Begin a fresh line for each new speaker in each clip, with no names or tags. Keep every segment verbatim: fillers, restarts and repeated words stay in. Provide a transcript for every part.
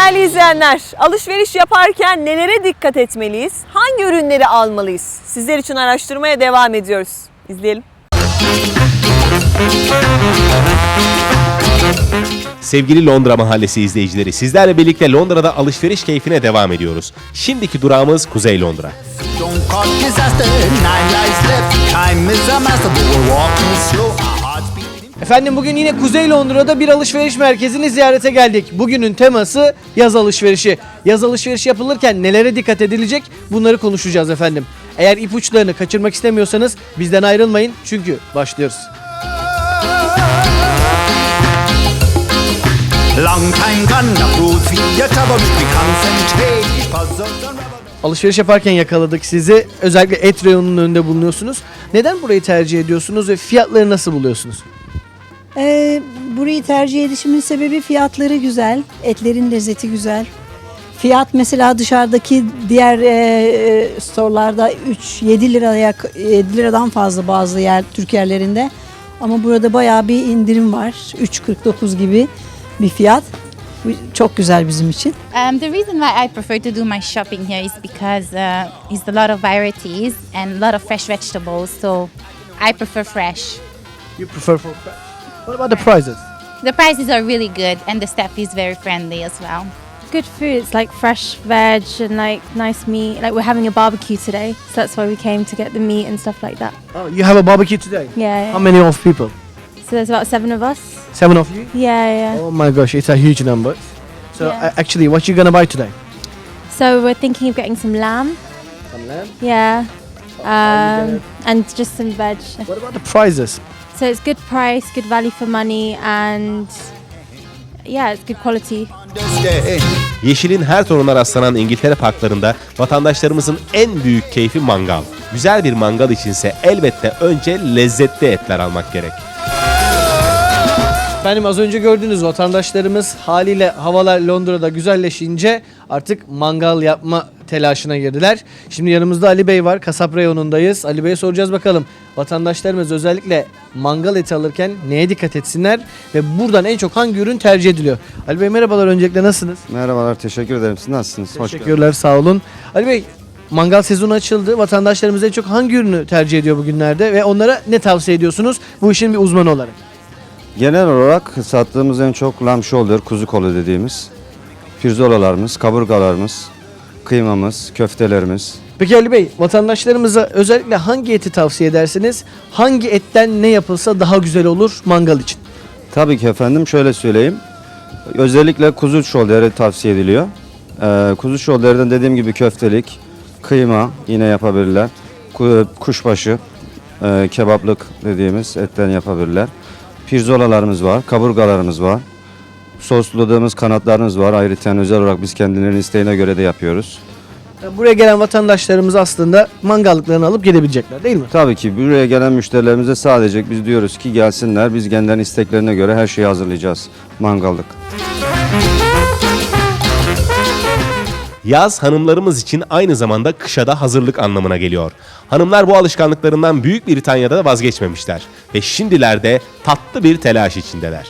Değerli izleyenler, alışveriş yaparken nelere dikkat etmeliyiz? Hangi ürünleri almalıyız? Sizler için araştırmaya devam ediyoruz. İzleyelim.
Sevgili Londra Mahallesi izleyicileri, sizlerle birlikte Londra'da alışveriş keyfine devam ediyoruz. Şimdiki durağımız Kuzey Londra.
Efendim bugün yine Kuzey Londra'da bir alışveriş merkezini ziyarete geldik. Bugünün teması yaz alışverişi. Yaz alışverişi yapılırken nelere dikkat edilecek bunları konuşacağız efendim. Eğer ipuçlarını kaçırmak istemiyorsanız bizden ayrılmayın çünkü başlıyoruz. Alışveriş yaparken yakaladık sizi. Özellikle et reyonunun önünde bulunuyorsunuz. Neden burayı tercih ediyorsunuz ve fiyatları nasıl buluyorsunuz?
Ee, burayı tercih edişimin sebebi fiyatları güzel, etlerin lezzeti güzel. Fiyat mesela dışarıdaki diğer e, e, storelarda üç yedi liraya yedi liradan fazla bazı yer Türk yerlerinde. Ama burada bayağı bir indirim var. üç kırk dokuz gibi bir fiyat. Bu çok güzel bizim için.
Um, the reason why I prefer to do my shopping here is because uh, it's a lot of varieties and a lot of fresh vegetables. So I prefer fresh.
You prefer for fresh? What about the prices?
The prices are really good and the staff is very friendly as well.
Good food. It's like fresh veg and like nice meat. Like we're having a barbecue today, so that's why we came to get the meat and stuff like that.
Oh, you have a barbecue today?
Yeah. yeah.
How many of people?
So there's about seven of us.
Seven of you?
Yeah, yeah.
Oh my gosh, it's a huge number. So
Yeah.
uh, actually, what you gonna buy today?
So we're thinking of getting some lamb.
Some lamb.
Yeah.
are you
Um, and just some veg.
What about the prices?
So it's good price, good value for money, and yeah, it's good quality.
Yeşilin her tonuna rastlanan İngiltere parklarında vatandaşlarımızın en büyük keyfi mangal. Güzel bir mangal içinse elbette önce lezzetli etler almak gerek.
Efendim az önce gördüğünüz vatandaşlarımız haliyle havalar Londra'da güzelleşince artık mangal yapma telaşına girdiler. Şimdi yanımızda Ali Bey var. Kasap reyonundayız. Ali Bey'e soracağız bakalım. Vatandaşlarımız özellikle mangal eti alırken neye dikkat etsinler ve buradan en çok hangi ürün tercih ediliyor? Ali Bey merhabalar, öncelikle nasılsınız?
Merhabalar, teşekkür ederim. Siz nasılsınız? Hoş geldiniz.
Teşekkürler, sağ olun. Ali Bey, mangal sezonu açıldı. Vatandaşlarımız en çok hangi ürünü tercih ediyor bugünlerde ve onlara ne tavsiye ediyorsunuz bu işin bir uzmanı olarak?
Genel olarak sattığımız en çok lamb shoulder, kuzu kolu dediğimiz pirzolalarımız, kaburgalarımız, kıymamız, köftelerimiz.
Peki Ali Bey, vatandaşlarımıza özellikle hangi eti tavsiye edersiniz? Hangi etten ne yapılsa daha güzel olur mangal için?
Tabii ki efendim, şöyle söyleyeyim. Özellikle kuzu shoulder'ı tavsiye ediliyor. Ee, kuzu shoulder'den dediğim gibi köftelik, kıyma yine yapabilirler. Ku- Kuşbaşı, e, kebaplık dediğimiz etten yapabilirler. Pirzolalarımız var, kaburgalarımız var. Sosladığımız kanatlarımız var. Ayrıca özel olarak biz kendilerinin isteğine göre de yapıyoruz.
Buraya gelen vatandaşlarımız aslında mangallıklarını alıp gidebilecekler değil mi?
Tabii ki buraya gelen müşterilerimize sadece biz diyoruz ki gelsinler. Biz kendilerinin isteklerine göre her şeyi hazırlayacağız. Mangallık.
Yaz hanımlarımız için aynı zamanda kışa da hazırlık anlamına geliyor. Hanımlar bu alışkanlıklarından Büyük Britanya'da da vazgeçmemişler ve şimdilerde tatlı bir telaş içindeler.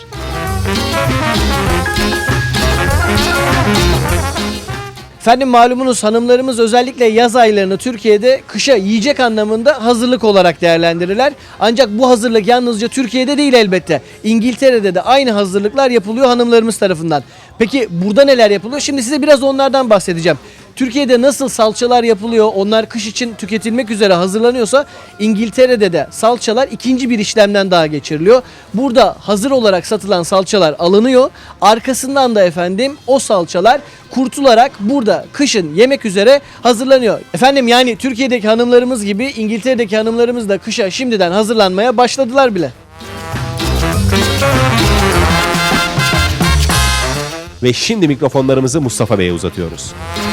Efendim malumunuz hanımlarımız özellikle yaz aylarını Türkiye'de kışa yiyecek anlamında hazırlık olarak değerlendirirler. Ancak bu hazırlık yalnızca Türkiye'de değil elbette. İngiltere'de de aynı hazırlıklar yapılıyor hanımlarımız tarafından. Peki burada neler yapılıyor? Şimdi size biraz onlardan bahsedeceğim. Türkiye'de nasıl salçalar yapılıyor, onlar kış için tüketilmek üzere hazırlanıyorsa İngiltere'de de salçalar ikinci bir işlemden daha geçiriliyor. Burada hazır olarak satılan salçalar alınıyor. Arkasından da efendim o salçalar kurtularak burada kışın yemek üzere hazırlanıyor. Efendim yani Türkiye'deki hanımlarımız gibi İngiltere'deki hanımlarımız da kışa şimdiden hazırlanmaya başladılar bile.
Ve şimdi mikrofonlarımızı Mustafa Bey'e uzatıyoruz.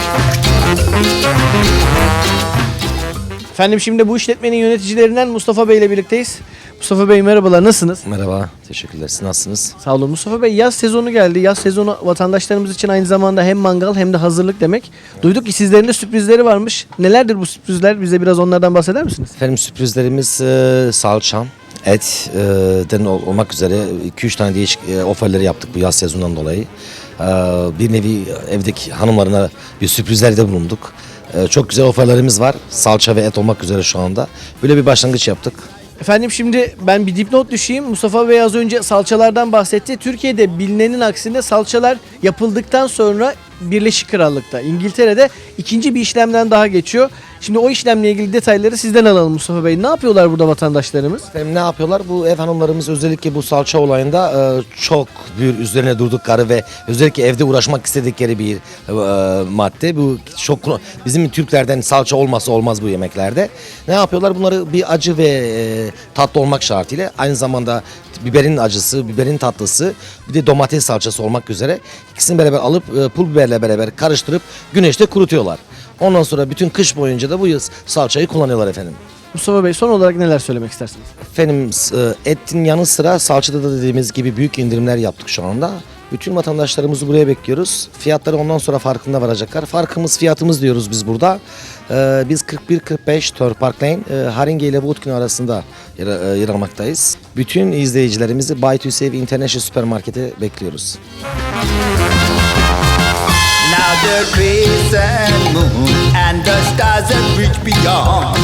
Efendim şimdi bu işletmenin yöneticilerinden Mustafa Bey ile birlikteyiz. Mustafa Bey merhabalar, nasılsınız?
Merhaba, teşekkürler. Siz nasılsınız?
Sağ olun Mustafa Bey. Yaz sezonu geldi. Yaz sezonu vatandaşlarımız için aynı zamanda hem mangal hem de hazırlık demek. Duyduk ki sizlerin de sürprizleri varmış. Nelerdir bu sürprizler? Bize biraz onlardan bahseder misiniz?
Efendim sürprizlerimiz e, salça, etten olmak üzere iki üç tane değişik e, oferleri yaptık bu yaz sezonundan dolayı. E, bir nevi evdeki hanımlarına bir sürprizlerde bulunduk. E, çok güzel oferlerimiz var. Salça ve et olmak üzere şu anda. Böyle bir başlangıç yaptık.
Efendim şimdi ben bir dipnot düşeyim. Mustafa Bey az önce salçalardan bahsetti. Türkiye'de bilinenin aksine salçalar yapıldıktan sonra Birleşik Krallık'ta, İngiltere'de ikinci bir işlemden daha geçiyor. Şimdi o işlemle ilgili detayları sizden alalım Mustafa Bey. Ne yapıyorlar burada vatandaşlarımız?
Efendim ne yapıyorlar? Bu ev hanımlarımız özellikle bu salça olayında e, çok bir üzerine durdukları ve özellikle evde uğraşmak istedikleri bir e, madde. Bu çok bizim Türklerden salça olmazsa olmaz bu yemeklerde. Ne yapıyorlar? Bunları bir acı ve e, tatlı olmak şartıyla aynı zamanda biberin acısı, biberin tatlısı, bir de domates salçası olmak üzere ikisini beraber alıp e, pul biberle beraber karıştırıp güneşte kurutuyorlar. Ondan sonra bütün kış boyunca da bu salçayı kullanıyorlar efendim.
Mustafa Bey son olarak neler söylemek istersiniz?
Efendim e, etin yanı sıra salçada da dediğimiz gibi büyük indirimler yaptık şu anda. Bütün vatandaşlarımızı buraya bekliyoruz. Fiyatları ondan sonra farkında varacaklar. Farkımız fiyatımız diyoruz biz burada. Ee, biz kırk bir kırk beş Thor Park Lane, e, Haringey ile Woodkin arasında yer, e, yer almaktayız. Bütün izleyicilerimizi Buy to Save International Süpermarket'e bekliyoruz.
Now the crescent moon and the stars that reach beyond